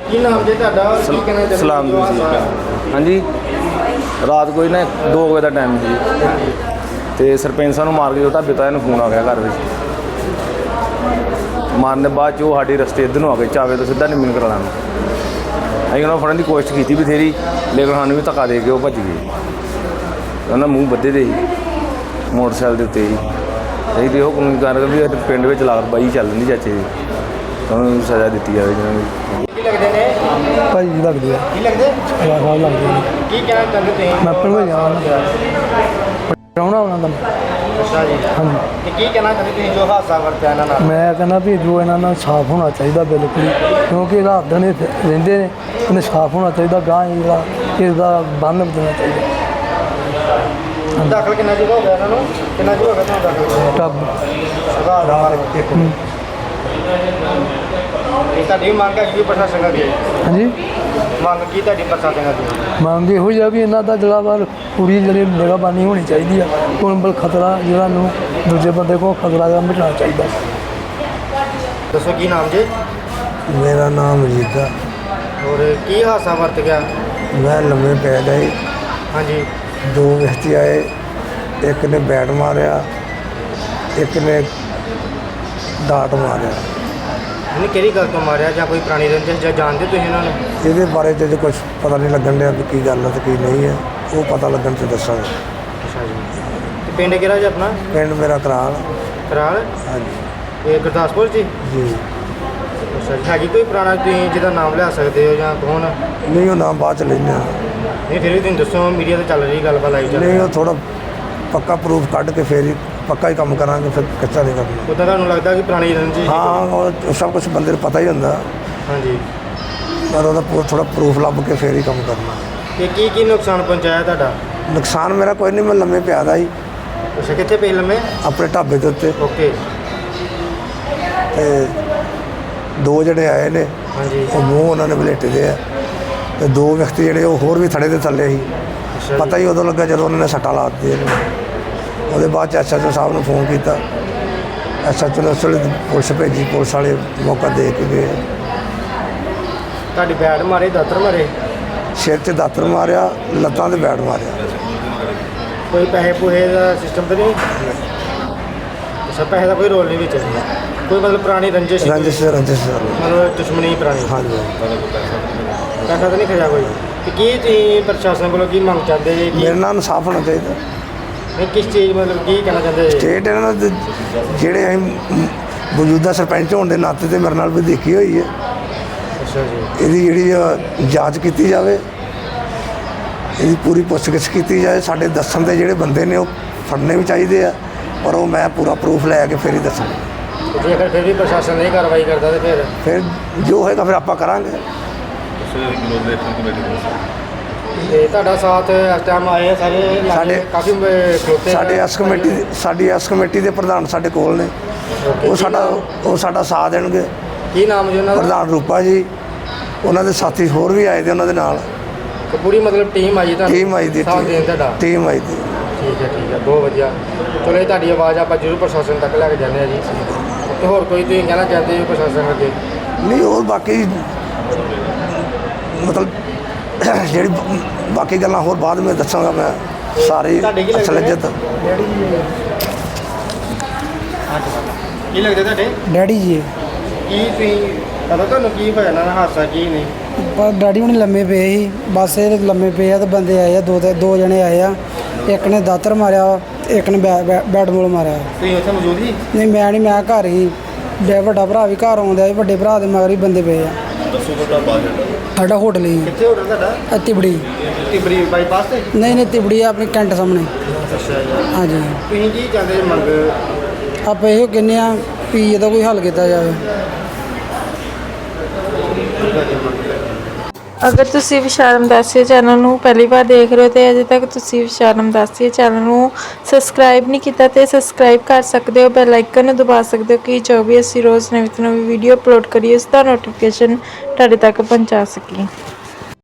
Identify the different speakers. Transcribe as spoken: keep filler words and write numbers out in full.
Speaker 1: ਕੀ ਨਾਮ ਜੀ ਤੁਹਾਡਾ ਔਰ ਕੀ ਕਹਿਣਾ ਚਾਹੁੰਦੇ
Speaker 2: ਸਲਾਮ
Speaker 1: ਹੋ?
Speaker 2: ਜੀ ਹਾਂਜੀ ਰਾਤ ਕੋਈ ਨਾ ਦੋ ਵਜੇ ਦਾ ਟਾਈਮ ਸੀ ਤੇ ਸਰਪੰਚ ਸਾਹਿਬ ਨੂੰ ਮਾਰ ਕੇ ਜੋ ਢਾਬੇ ਤੋਂ ਇਹਨੂੰ ਫੋਨ ਆ ਗਿਆ ਘਰ ਵਿੱਚ ਮਾਰਨ ਦੇ ਬਾਅਦ 'ਚ ਉਹ ਸਾਡੇ ਰਸਤੇ ਇੱਧਰ ਨੂੰ ਆ ਗਏ ਚਾਵੇ ਤੋਂ ਸਿੱਧਾ ਨਿੰਮਣ ਕਰਾਉਣ ਨੂੰ ਅਸੀਂ ਉਹਨਾਂ ਫੜਨ ਦੀ ਕੋਸ਼ਿਸ਼ ਕੀਤੀ ਬਥੇਰੀ ਲੇਕਿਨ ਸਾਨੂੰ ਵੀ ਧੱਕਾ ਦੇ ਕੇ ਉਹ ਭੱਜ ਗਏ। ਉਹਨਾਂ ਮੂੰਹ ਬੱਧੇ ਦੇ ਸੀ ਮੋਟਰਸਾਈਕਲ ਦੇ ਉੱਤੇ ਹੀ ਅਸੀਂ ਤੇ ਉਹ ਕਾਨੂੰਨੀ ਕਾਰਵਾਈ ਵੀ ਪਿੰਡ ਵਿੱਚ ਲਾਗਤਬਾਜ਼ੀ ਚੱਲ ਰਹੀ ਚਾਚੇ ਦੀ ਉਹਨਾਂ ਨੂੰ ਸਜ਼ਾ ਦਿੱਤੀ ਜਾਵੇ ਜਿਹਨਾਂ ਨੂੰ
Speaker 1: ਕੀ ਲੱਗਦੇ ਨੇ
Speaker 3: ਭਾਈ ਜੀ ਲੱਗਦੇ ਆ
Speaker 1: ਕੀ ਲੱਗਦੇ
Speaker 3: ਖਿਆ ਖਾ ਲੱਗਦੇ ਨੇ।
Speaker 1: ਕੀ ਕਹਿਣਾ ਚਾਹੁੰਦੇ ਤੁਸੀਂ?
Speaker 3: ਮੈਂ ਭਲਵਾਈ ਆ ਪ੍ਰਾਹੁਣਾ ਉਹਨਾਂ ਦਾ।
Speaker 1: ਅੱਛਾ ਜੀ
Speaker 3: ਹਾਂਜੀ
Speaker 1: ਤੇ ਕੀ ਕਹਿਣਾ ਚਾਹੁੰਦੇ ਤੁਸੀਂ ਜੋ ਹਾਦਸਾ ਵਰਤਿਆ ਇਹਨਾਂ ਨਾਲ?
Speaker 3: ਮੈਂ ਕਹਿੰਦਾ ਵੀ ਜੋ ਇਹਨਾਂ ਨਾਲ ਸਾਫ਼ ਹੋਣਾ ਚਾਹੀਦਾ ਬਿਲਕੁਲ ਹੀ, ਕਿਉਂਕਿ ਰਾਤ ਦਿਨ ਇਹ ਰਹਿੰਦੇ ਨੇ, ਇਹਨੇ ਸਾਫ਼ ਹੋਣਾ ਚਾਹੀਦਾ। ਗਾਂ ਜਿਹੜਾ ਇਹਦਾ ਬੰਨ ਦੇਣਾ ਚਾਹੀਦਾ।
Speaker 1: ਦਾਖਲ ਕਿੰਨਾ ਚਿਰ ਹੋ ਗਿਆ ਇਹਨਾਂ ਨੂੰ? ਕਿੰਨਾ ਚਿਰ ਹੋ ਗਿਆ ਤੁਹਾਨੂੰ ਦਾਖਲ?
Speaker 3: ਟੱਬ
Speaker 1: ਸੁਧਾਰ ਦਾ ਇੱਕ ਇਹ ਤੁਹਾਡੀ ਮੰਗ ਹੈ ਕਿ ਪ੍ਰਸ਼ਾਸਨ ਅੱਗੇ
Speaker 3: ਹਾਂਜੀ
Speaker 1: ਮੰਗ ਕੀ ਤੁਹਾਡੀ ਪ੍ਰਸ਼ਾਸਨ ਅੱਗੇ?
Speaker 3: ਮੰਗ ਇਹੋ ਹੀ ਆ ਵੀ ਇਹਨਾਂ ਦਾ ਜਿਹੜਾ ਵਾ ਪੂਰੀ ਜਿਹੜੀ ਨਿਗਰਾਨੀ ਹੋਣੀ ਚਾਹੀਦੀ ਆ। ਕੋਲ ਖਤਰਾ ਜਿਹੜਾ ਨੂੰ ਦੂਜੇ ਬੰਦੇ ਕੋਲ ਖਤਰਾ ਦਾ ਮਿਟਣਾ ਚਾਹੀਦਾ।
Speaker 1: ਦੱਸੋ ਕੀ ਨਾਮ ਜੀ?
Speaker 3: ਮੇਰਾ ਨਾਮ ਅਜੀਤਾ।
Speaker 1: ਔਰ ਕੀ ਹਾਦਸਾ ਵਰਤ ਗਿਆ?
Speaker 3: ਮੈਂ ਲੰਮੇ ਪੈ ਗਏ,
Speaker 1: ਹਾਂਜੀ
Speaker 3: ਦੋ ਵਿਅਕਤੀ ਆਏ, ਇੱਕ ਨੇ ਬੈਟ ਮਾਰਿਆ, ਇੱਕ ਨੇ ਡਾਟ ਮਾਰਿਆ।
Speaker 1: ਇਹਨੇ ਕਿਹੜੀ ਗੱਲ ਤੋਂ ਮਾਰਿਆ ਜਾਂ ਕੋਈ ਪੁਰਾਣੀ ਰੰਜਿਸ਼ ਜਾਂ ਜਾਣਦੇ ਤੁਸੀਂ ਇਹਨਾਂ ਨੂੰ?
Speaker 3: ਇਹਦੇ ਬਾਰੇ ਤੇ ਕੁਝ ਪਤਾ ਨਹੀਂ ਲੱਗਣ ਡਿਆ ਵੀ ਕੀ ਗੱਲ ਹੈ ਤੇ ਕੀ ਨਹੀਂ ਹੈ, ਉਹ ਪਤਾ ਲੱਗਣ ਤੇ ਦੱਸਾਂਗੇ।
Speaker 1: ਅੱਛਾ ਜੀ ਤੇ ਪਿੰਡ ਕਿਹੜਾ ਜੀ ਆਪਣਾ?
Speaker 3: ਪਿੰਡ ਮੇਰਾ ਕਰਾਲ।
Speaker 1: ਕਰਾਲ
Speaker 3: ਹਾਂਜੀ
Speaker 1: ਇਹ ਗੁਰਦਾਸਪੁਰ ਜੀ?
Speaker 3: ਜੀ
Speaker 1: ਅੱਛਾ ਜੀ ਹੈਗੀ ਕੋਈ ਪੁਰਾਣਾ ਤੁਸੀਂ ਜਿਹਦਾ ਨਾਮ ਲਿਆ ਸਕਦੇ ਹੋ ਜਾਂ ਕੌਣ?
Speaker 3: ਨਹੀਂ ਉਹ ਨਾਮ ਬਾਅਦ ਚ ਲੈਂਦੇ ਹਾਂ।
Speaker 1: ਨਹੀਂ ਫਿਰ ਵੀ ਤੁਸੀਂ ਦੱਸੋ, ਮੀਡੀਆ ਤੇ ਚੱਲ ਰਹੀ ਗੱਲਬਾਤ ਆਈ ਚੱਲ
Speaker 3: ਨਹੀਂ ਉਹ ਥੋੜਾ ਪੱਕਾ ਪ੍ਰੂਫ ਕੱਢ ਕੇ ਫੇਰ ਹੀ ਪੱਕਾ ਹੀ ਕੰਮ ਕਰਾਂਗੇ, ਫਿਰ ਕੱਚਾ ਨਹੀਂ ਕਰਨਾ।
Speaker 1: ਉੱਦਾਂ ਤੁਹਾਨੂੰ ਲੱਗਦਾ ਕਿ ਪੁਰਾਣੀ ਰੰਜਿਸ਼?
Speaker 3: ਹਾਂ ਉਹ ਸਭ ਕੁਝ ਬੰਦੇ ਨੂੰ ਪਤਾ ਹੀ ਹੁੰਦਾ,
Speaker 1: ਹਾਂਜੀ
Speaker 3: ਪਰ ਉਹਦਾ ਥੋੜਾ ਪ੍ਰੂਫ ਲੱਭ ਕੇ ਫੇਰ ਹੀ ਕੰਮ ਕਰਨਾ।
Speaker 1: ਤੇ ਕੀ ਕੀ ਨੁਕਸਾਨ ਪਹੁੰਚਾਇਆ ਤੁਹਾਡਾ?
Speaker 3: ਨੁਕਸਾਨ ਮੇਰਾ ਕੋਈ ਨਹੀਂ, ਮੈਂ ਲੰਮੇ ਪਿਆ ਦਾ ਸੀ
Speaker 1: ਅੱਛਾ ਕਿੱਥੇ ਪਏ ਲੰਮੇ?
Speaker 3: ਆਪਣੇ ਢਾਬੇ ਦੇ ਉੱਤੇ,
Speaker 1: ਓਕੇ
Speaker 3: ਤੇ ਦੋ ਜਿਹੜੇ ਆਏ ਨੇ
Speaker 1: ਹਾਂਜੀ
Speaker 3: ਉਹ ਮੂੰਹ ਉਹਨਾਂ ਨੇ ਬਲੇਟੇ ਦੇ ਆ, ਤੇ ਦੋ ਵਿਅਕਤੀ ਜਿਹੜੇ ਉਹ ਹੋਰ ਵੀ ਥੜੇ ਦੇ ਥੱਲੇ ਸੀ।
Speaker 1: ਅੱਛਾ
Speaker 3: ਪਤਾ ਹੀ ਉਦੋਂ ਲੱਗਾ ਜਦੋਂ ਉਹਨਾਂ ਨੇ ਸੱਟਾਂ ਲਾ ਦਿੱਤੀਆਂ ਨੇ। ਉਹਦੇ ਬਾਅਦ ਚ ਐਸ ਐਚ ਓ ਸਾਹਿਬ ਨੂੰ ਫੋਨ ਕੀਤਾ, ਐਸ ਐਚ ਓ ਨੇ ਉਸ ਵੇਲੇ ਪੁਲਿਸ ਭੇਜੀ, ਪੁਲਿਸ ਵਾਲੇ ਮੌਕਾ ਦੇ ਕੇ ਗਏ।
Speaker 1: ਤੁਹਾਡੀ ਬੈਟ ਮਾਰੇ ਦਾਤਰ ਮਾਰੇ?
Speaker 3: ਸਿਰ 'ਤੇ ਦਾਤਰ ਮਾਰਿਆ, ਲੱਤਾਂ 'ਤੇ ਬੈਟ ਮਾਰਿਆ।
Speaker 1: ਕੋਈ ਪੈਸੇ ਪੂਹੇ ਦਾ ਸਿਸਟਮ ਤਾਂ ਨਹੀਂ? ਅੱਛਾ ਪੈਸੇ ਦਾ ਕੋਈ ਰੋਲ ਨਹੀਂ ਵਿੱਚ? ਕੋਈ ਮਤਲਬ ਪੁਰਾਣੀ ਰੰਜਿਸ਼?
Speaker 3: ਰੰਜਿਸ਼ ਰੰਜਿਸ਼
Speaker 1: ਮਤਲਬ ਦੁਸ਼ਮਣੀ ਪੁਰਾਣੀ?
Speaker 3: ਹਾਂਜੀ
Speaker 1: ਪੈਸਾ ਤਾਂ ਨਹੀਂ ਖਿਆ ਕੋਈ? ਤੇ ਕੀ ਤੁਸੀਂ ਪ੍ਰਸ਼ਾਸਨ ਕੋਲੋਂ ਕੀ ਮੰਗ ਚਾਹੁੰਦੇ ਜੀ? ਕੀ
Speaker 3: ਮੇਰੇ ਨਾਲ ਇਨਸਾਫ ਹੋਣਾ ਚਾਹੀਦਾ।
Speaker 1: ਨਹੀਂ ਕਿਸ ਚੀਜ਼ ਮਤਲਬ ਕੀ ਕਹਿਣਾ ਚਾਹੁੰਦੇ ਜੀ?
Speaker 3: ਸਟੇਟ ਇਹਨਾਂ ਦਾ ਜਿਹੜੇ ਅਸੀਂ ਮੌਜੂਦਾ ਸਰਪੰਚ ਹੋਣ ਦੇ ਨਾਤੇ ਤੇ ਮੇਰੇ ਨਾਲ ਵੀ ਦੇਖੀ ਹੋਈ ਹੈ।
Speaker 1: ਅੱਛਾ ਜੀ
Speaker 3: ਇਹਦੀ ਜਿਹੜੀ ਆ ਜਾਂਚ ਕੀਤੀ ਜਾਵੇ, ਇਹਦੀ ਪੂਰੀ ਪੁੱਛਗਿੱਛ ਕੀਤੀ ਜਾਏ। ਸਾਡੇ ਦੱਸਣ ਦੇ ਜਿਹੜੇ ਬੰਦੇ ਨੇ ਉਹ ਫੜਨੇ ਵੀ ਚਾਹੀਦੇ ਆ, ਪਰ ਉਹ ਮੈਂ ਪੂਰਾ ਪ੍ਰੂਫ ਲੈ ਕੇ ਫਿਰ ਹੀ ਦੱਸਾਂਗਾ।
Speaker 1: ਤੇ ਜੇਕਰ ਫਿਰ ਵੀ ਪ੍ਰਸ਼ਾਸਨ ਨਹੀਂ ਕਾਰਵਾਈ ਕਰਦਾ ਤੇ ਫਿਰ?
Speaker 3: ਫਿਰ ਜੋ ਹੋਏਗਾ ਫਿਰ ਆਪਾਂ ਕਰਾਂਗੇ।
Speaker 1: ਤੇ ਤੁਹਾਡਾ ਸਾਥ ਇਸ ਟਾਈਮ ਆਏ ਸਾਰੇ
Speaker 3: ਸਾਡੇ-
Speaker 1: ਕਾਫੀ ਖਲੋਤੇ?
Speaker 3: ਸਾਡੇ ਇਸ ਕਮੇਟੀ ਸਾਡੀ ਇਸ ਕਮੇਟੀ ਦੇ ਪ੍ਰਧਾਨ ਸਾਡੇ ਕੋਲ ਨੇ, ਉਹ ਸਾਡਾ ਉਹ ਸਾਡਾ ਸਾਥ ਦੇਣਗੇ।
Speaker 1: ਕੀ ਨਾਮ ਜੀ ਉਹਨਾਂ ਦਾ?
Speaker 3: ਪ੍ਰਧਾਨ ਰੂਪਾ ਜੀ, ਉਹਨਾਂ ਦੇ ਸਾਥੀ ਹੋਰ ਵੀ ਆਏ ਦੇ ਉਹਨਾਂ ਦੇ ਨਾਲ।
Speaker 1: ਤੇ ਪੂਰੀ ਮਤਲਬ ਟੀਮ ਆਈ ਤੁਹਾਨੂੰ?
Speaker 3: ਟੀਮ ਆਈ ਦੀ
Speaker 1: ਸਾਥ ਦੇਣ ਤੁਹਾਡਾ?
Speaker 3: ਟੀਮ ਆਈ ਦੀ।
Speaker 1: ਠੀਕ ਹੈ ਠੀਕ ਹੈ ਬਹੁਤ ਵਧੀਆ। ਚਲੋ ਇਹ ਤੁਹਾਡੀ ਆਵਾਜ਼ ਆਪਾਂ ਜ਼ਰੂਰ ਪ੍ਰਸ਼ਾਸਨ ਤੱਕ ਲੈ ਕੇ ਜਾਂਦੇ ਹਾਂ ਜੀ। ਤੇ ਹੋਰ ਕੋਈ ਤੁਸੀਂ ਕਹਿਣਾ ਚਾਹੁੰਦੇ ਹੋ ਪ੍ਰਸ਼ਾਸਨ ਅੱਗੇ?
Speaker 3: ਨਹੀਂ ਹੋਰ ਬਾਕੀ ਮਤਲਬ ਜਿਹੜੀ ਬਾਕੀ ਗੱਲਾਂ ਹੋਰ ਬਾਅਦ ਵਿੱਚ ਦੱਸਾਂਗਾ ਮੈਂ ਸਾਰੀ ਅਸਲਜਤ।
Speaker 1: ਕੀ ਲੱਗਦਾ ਤੁਹਾਡੇ?
Speaker 4: ਡੈਡੀ ਜੀ
Speaker 1: ਕੀ ਤੁਸੀਂ ਪਤਾ ਤੁਹਾਨੂੰ ਕੀ ਹੋਇਆ ਨਾ ਹਾਦਸਾ ਕੀ ਨਹੀਂ?
Speaker 4: ਪਰ ਡੈਡੀ ਹੁਣੀ ਲੰਮੇ ਪਏ ਸੀ, ਬਸ ਇਹ ਲੰਮੇ ਪਏ ਆ ਤੇ ਬੰਦੇ ਆਏ ਆ, ਦੋ ਤੇ ਦੋ ਜਣੇ ਆਏ ਆ। ਇੱਕ ਨੇ ਦਾਤਰ ਮਾਰਿਆ, ਇੱਕ ਨੇ ਬੈ- ਬੈ- ਬੈਟ ਬਾਲ ਮਾਰਿਆ।
Speaker 1: ਤੁਸੀਂ ਉੱਥੇ ਮੌਜੂਦ ਸੀ?
Speaker 4: ਨਹੀਂ ਮੈਂ ਨਹੀਂ, ਮੈਂ ਘਰ ਹੀ। ਡੈ ਵੱਡਾ ਭਰਾ ਵੀ ਘਰ ਆਉਂਦਾ ਸੀ, ਵੱਡੇ ਭਰਾ ਦੇ ਮਗਰ ਹੀ ਬੰਦੇ ਪਏ ਆ।
Speaker 1: ਦੱਸੋ ਤੁਹਾਡਾ ਬਾਹਰ
Speaker 4: ਸਾਡਾ ਹੋਟਲ ਹੀ
Speaker 1: ਕਿੱਥੇ ਹੋਟਲ ਤੁਹਾਡਾ?
Speaker 4: ਆ ਤਿਬੜੀ।
Speaker 1: ਤਿਬੜੀ ਬਾਈਪਾਸ ਤੇ?
Speaker 4: ਨਹੀਂ ਨਹੀਂ ਤਿਬੜੀ ਆ ਆਪਣੀ ਕੈਂਟ ਸਾਹਮਣੇ।
Speaker 1: ਅੱਛਾ ਜੀ
Speaker 4: ਹਾਂਜੀ
Speaker 1: ਤੁਸੀਂ ਕੀ ਚਾਹੁੰਦੇ ਜੀ ਮੰਗ?
Speaker 4: ਆਪਾਂ ਇਹੋ ਕਹਿੰਦੇ ਆ ਵੀ ਇਹਦਾ ਕੋਈ ਹੱਲ ਕੀਤਾ ਜਾਵੇ।
Speaker 5: ਅਗਰ ਤੁਸੀਂ ਵਿਸ਼ਾਲ ਰਮਦਾਸੀਆ ਚੈਨਲ ਨੂੰ ਪਹਿਲੀ ਵਾਰ ਦੇਖ ਰਹੇ ਹੋ ਤੇ ਅਜੇ ਤੱਕ ਤੁਸੀਂ ਵਿਸ਼ਾਲ ਰਮਦਾਸੀਆ ਚੈਨਲ ਨੂੰ ਸਬਸਕ੍ਰਾਈਬ ਨਹੀਂ ਕੀਤਾ ਤੇ ਸਬਸਕ੍ਰਾਈਬ ਕਰ ਸਕਦੇ ਹੋ। ਬੈਲ ਆਈਕਨ ਨੂੰ ਦਬਾ ਸਕਦੇ ਹੋ ਕਿ ਜੋ ਵੀ ਅਸੀਂ ਰੋਜ਼ ਨਵੀਂ ਤੋਂ ਨਵੀਂ ਵੀਡੀਓ ਅਪਲੋਡ ਕਰੀਏ ਉਸ ਦਾ ਨੋਟੀਫਿਕੇਸ਼ਨ ਤੁਹਾਡੇ ਤੱਕ ਪਹੁੰਚਾ ਸਕੀਏ।